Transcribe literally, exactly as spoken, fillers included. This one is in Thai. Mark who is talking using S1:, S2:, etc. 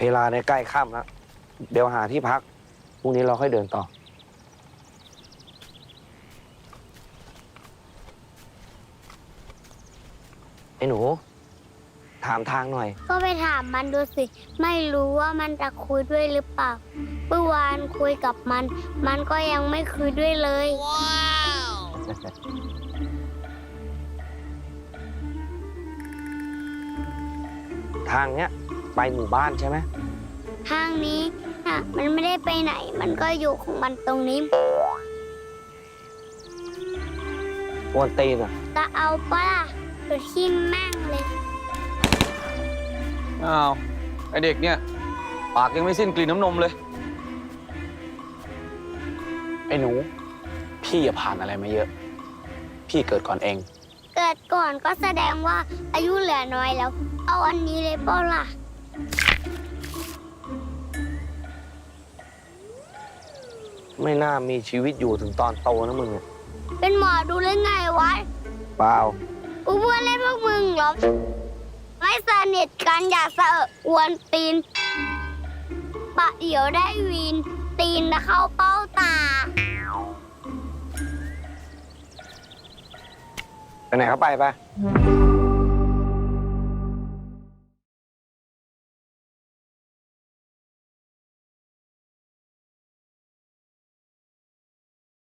S1: เวลาในใกล้ค่ำแล้วเดี๋ยวหาที่พักพรุ่งนี้เราค่อยเดินต่อไอ้หนูถามทางหน่อย
S2: ก็ไปถามมันดูสิไม่รู้ว่ามันจะคุยด้วยหรือเปล่าเมื่อวานคุยกับมัน มันก็ยังไม่คุยด้วยเลยว้าว
S1: ทางเนี้ยไปหมู่บ้านใช่ไหม
S2: ทางนี้อ่ะมันไม่ได้ไปไหน มันก็อยู่ของมันตรงนี้
S1: กวนตีนอ่ะ
S2: จะเอาปะล่ะหรือที่แม่งเลย
S3: อ้าวไอเด็กเนี่ยปากยังไม่สิ้นกลิ่นน้ำนมเลย
S1: ไอ้หนูพี่อย่าผ่านอะไรมาเยอะพี่เกิดก่อนเอง
S2: เกิดก่อนก็แสดงว่าอายุเหลือน้อยแล้วเอาอันนี้เลยเปล่าล่ะ
S1: ไม่น่ามีชีวิตอยู่ถึงตอนโตนะมึง
S2: เป็นหมอดูหรือไงวะ
S1: เปล่า
S2: กูเพื่อนเล่นพวกมึงเหรอไม่สนิทกันอยากเสอะอวนตีนปะเดี๋ยวได้วีนตีนนะเข้าเป้าตา
S1: ไปไหนเขาไปไป